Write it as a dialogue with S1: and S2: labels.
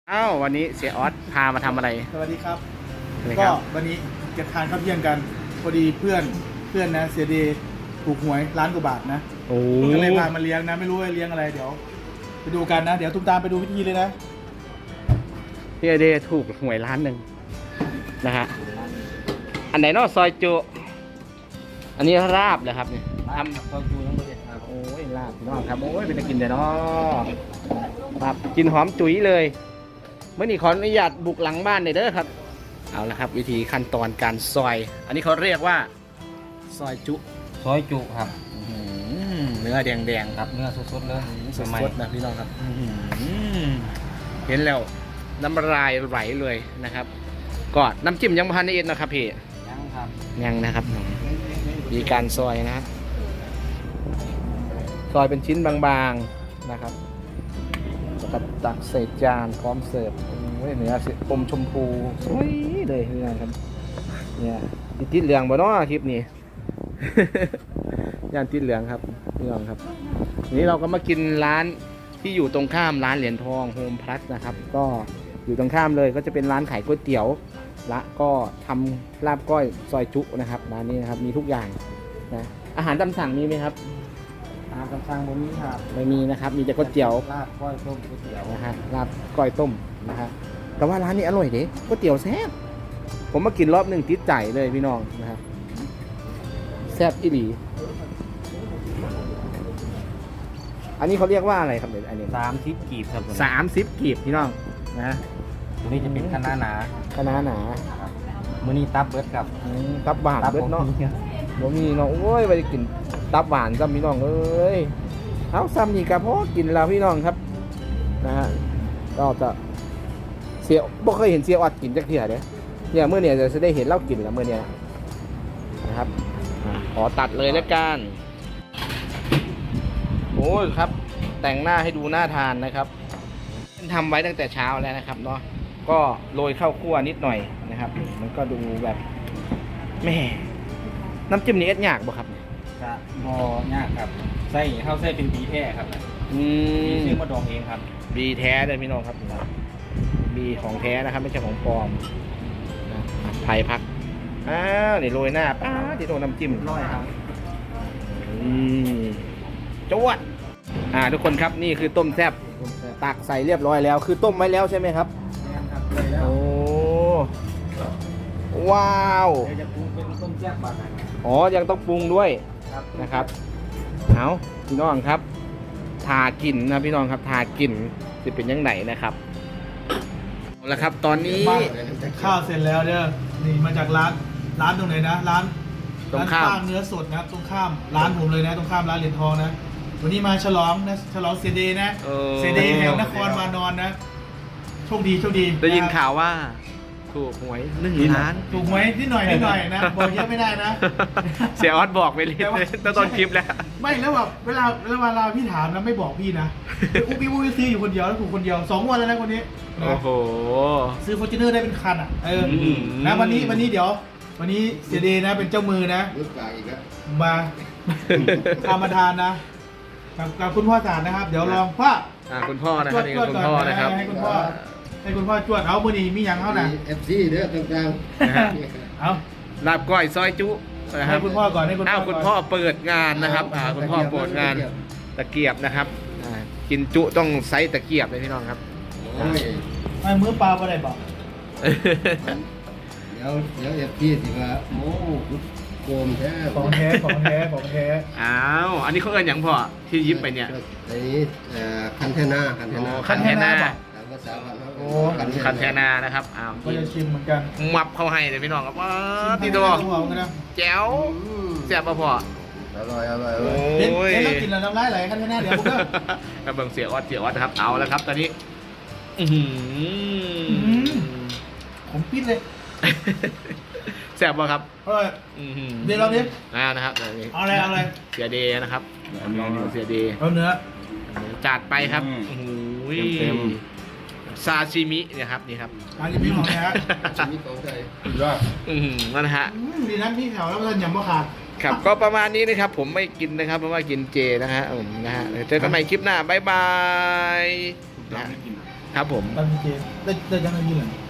S1: อ้าววันนี้เสียออสพามาทำอะไร
S2: สวัสดีครับ
S1: นะค
S2: ก็
S1: รับ
S2: วันนี้จะทานข้าวเที่ยงกันพอดีเพื่อนนะเสียดีถูกหวยล้านกว่าบาทนะ
S1: โอ้
S2: ก็เลยพามาเลี้ยงนะไม่รู้ว่าเลี้ยงอะไรเดี๋ยวไปดูกันนะ เดี๋ยวตุ้มตามไปดูวิธีเลยนะ
S1: พี่เดย์ถูกหวยล้านหนึ่งนะฮะอันไหนเนอกซอยจุอันนี้ราบเลยครับเนี่ยทำซอยจุทั้งหมดเลยครับโอ้ยลาบน้องครับโอ้ยเป็นตะกินเดี๋ยวน้อครับกินหอมจุ๋ยเลยเมื่อนี้ขออนุญาตบุกหลังบ้านหน่อยเด้อครับเอาละครับวิธีขั้นตอนการซอย อันนี้เขาเรียกว่าซอยจุ
S3: ซอยจุครับ
S1: เนื้อแดงๆ
S3: ครับเนื้อสดๆเลย
S1: ส
S3: ใหม่
S1: ดๆนะพี่น้องครับเห็นแล้วน้ำลายไหลเลยนะครับก็น้ำจิ้มยังพันในเอ็ดนะครับพี่
S3: ยังครับ
S1: ยังนะครับมีการซอยนะครับซอยเป็นชิ้นบางๆนะครับแล้วก็ตักใส่จานพร้อมเสิร์ฟโอ้ยเนื้ออมชมพูสวยเลยนี่นะครับเนี่ยติดเหลืองบ่เนาะคลิปนี้ ย่านติดเหลืองครับพี่น้องครับนี้เราก็มากินร้านที่อยู่ตรงข้ามร้านเหรียญทองโฮมพลัสนะครับก็อยู่ตรงข้ามเลยก็จะเป็นร้านขายก๋วยเตี๋ยวและก็ทำลาบก้อยซอยจุนะครับร้านนี้นะครับมีทุกอย่างนะอาหารตามสั่งมีไหมครับ
S3: กำลังบนนี้ครับ
S1: ไม่มีนะครับมีแต่ก๋วยเตี๋ยว
S3: ลาบก้อยต้มก๋วยเตี๋ยว
S1: นะฮะลาบก้อยต้มนะฮะแต่ว่าร้านนี้อร่อยเด้ก๋วยเตี๋ยวแซ่บผมมากินรอบหนึ่งติดใจเลยพี่น้องนะครับแซ่บอีหลีอันนี้เขาเรียกว่าอะไรครับเดี๋ยวอันนี้
S3: 30 กีบครับผม
S1: 30 กีบพี่น้องนะ
S3: ตัวนี้จะเป็นคณะหนา
S1: คณะหนา
S3: ครับมื้อนี้ตับเบิดครับ
S1: ตับหวานเบิดเนาะบ่มีเนาะโอ้ยไปกินตับหวานซ้ำพี่น้องเอ้ยเอาซ้ำนี่กะเพาะกินแล้วพี่น้องครับนะฮะก็จะเสียบ่เคยเห็นเสียออดกินจักเที่ยเด้เนี่ยเมื่อเนี่ยจะได้เห็นเล่ากินแล้วเมื่อเนี่ยนะครับขอตัดเลยแล้วกันโอ้ยครับแต่งหน้าให้ดูน่าทานนะครับทำไว้ตั้งแต่เช้าแล้วนะครับเนาะก็โรยข้าวคั่วนิดหน่อยนะครับมันก็ดูแบบแม่น้ำจิ้มนี้เอ็ดยากบ่ครับ
S3: จะพอยากครับใส่ข้าวใส่เป็นบีแท้ครับบีซื้อมาดองเองครับ
S1: บีแท้เลยพี่น้องครับบีของแท้นะครับไม่ใช่ของปลอมนะผัดไทยพักนี่โรยหน้าป้าที่โดนน้ำจิ้ม
S3: ร้อยครับ
S1: จวดทุกคนครับนี่คือต้มแซ่บตักใส่เรียบร้อยแล้วคือต้มไว้แล้วใช่ไหมครับ
S3: นี่ครับเลยแล้ว
S1: โอ้ว้าว
S3: เดี๋ยวจะปรุงเป็นต้มแซ่บบาดไหน
S1: อ๋อยังต้องปรุงด้วย
S3: ครับ
S1: นะครับเอาพี่น้องครับทากินนะพี่น้องครับทากินจะเป็นยังไงนะครับเอาละครับตอนนี้
S2: ข้าวเสร็จแล้วเด้อนี่มาจากร้านตรงไหนนะร้าน
S1: ตรงข้าม
S2: ร้านเนื้อสดนะครับตรงข้ามร้านผมเลยนะตรงข้ามร้านเหรียญทองนะวันนี้มาฉลองนะฉลองเซเดย์นะเซเดย์แห่งนครวานอนนะโชคดี
S1: ได้ยินข่าวว่าถูกหวย1 ล้าน
S2: ถูกไหมนิดหน่อยนะบอกเยอะไม่ได้นะ
S1: เสียออสบอกไปเลย
S2: แต่ว่า
S1: ตั้งต้นคลิปแล้ว
S2: ไม่แล้วแบบเวลาพี่ถามนะไม่บอกพี่นะอุ้ยซื้ออยู่คนเดียวแล้วถูกคนเดียว2 งวดแล้วนะคนนี้นะ
S1: โอ้โห
S2: ซื้อฟอร์จูเนอร์ได้เป็นคันอ่ะ
S1: ม
S2: นะวันนี้เดี๋ยววันนี้เสียเดย์นะเป็นเจ้ามือนะ
S3: รุ่นกลางอีกแล้ว
S2: มาทำมาทานนะกับคุณพ่อสารนะครับ เดี๋ยวลองพ่อ
S1: คุณพ่อนะครับนี่
S2: จวด
S1: คุณ
S2: ก่อน
S1: พ่อนะครับ
S2: ให้คุณพ่อจวดเอามือนี้มีอย่างเขานะ
S3: FC เด้อต่าง
S1: นะฮะ
S2: เอา
S1: ลาบก้อยซอยจุนะค
S2: ให้
S1: รับ
S2: คุณพ่อก่อนให้คุณพ่อ
S1: คุณพ่อเปิดงานนะครับคุณพ่อเปิดงานตะเกียบนะครับกินจุต้องไซส์ตะเกียบเลยพี่น้องครับ
S3: โอ้ย
S2: ไม่มือเปล่าอะไรบอก
S3: เดี๋ยวFC สิว่าโอ้โกมแท้
S2: ของแท้
S1: อ้าวอันนี้เขาเอินอย่างพ่อที่ยิ้มไปเนี่ย
S3: อันนี้คันเทนา
S1: คันแทนา
S3: ตามภาษาบ้านเขา
S2: โอ้
S1: คันแทนานะครับอ้าว
S2: ก็จะชิมเหมือนกัน
S1: มับเข้าให้เลยพี่น้องครับว้าตีตัว
S2: หัวเหมือนกันนะ
S1: แจ๋วแซ่บป่ะพ่อ
S3: อร่อย
S1: โอ้
S2: เห็น
S1: ย
S2: แล้วกินแล้วน้ำลายไหลขั้นหน้าเดี๋ยวผมก็
S1: กระเบื้องเสียออดนะครับเอาแล้วครับตอนนี้
S2: ผมปิดเลย
S1: แซ่บป่ะครับ
S2: เฮ้ยเดี๋ยวเราดิ
S1: นะครับ
S2: เอาอะไร
S1: เสียเดย์นะครับลองดูเสียเดย์
S2: เอาเนื้อ
S1: จัดไปครับ
S3: อืม
S1: โอ้โหซาชิมิเนี่ยครับนี่ครับ
S2: อันนี้พี่ของแท้
S3: ชีวิตของไทย
S1: นั่นนะฮะ
S2: ดีนะพี่แถวแล้วมันยำมะขาม
S1: ครับก็ประมาณนี้นะครับผมไม่กินนะครับเพราะว่ากินเจนะฮะผมนะฮะเจอกันใหม่คลิปหน้าบ๊ายบายนะครับผม
S2: ตามดีเจได้ยังไงยินเหรอ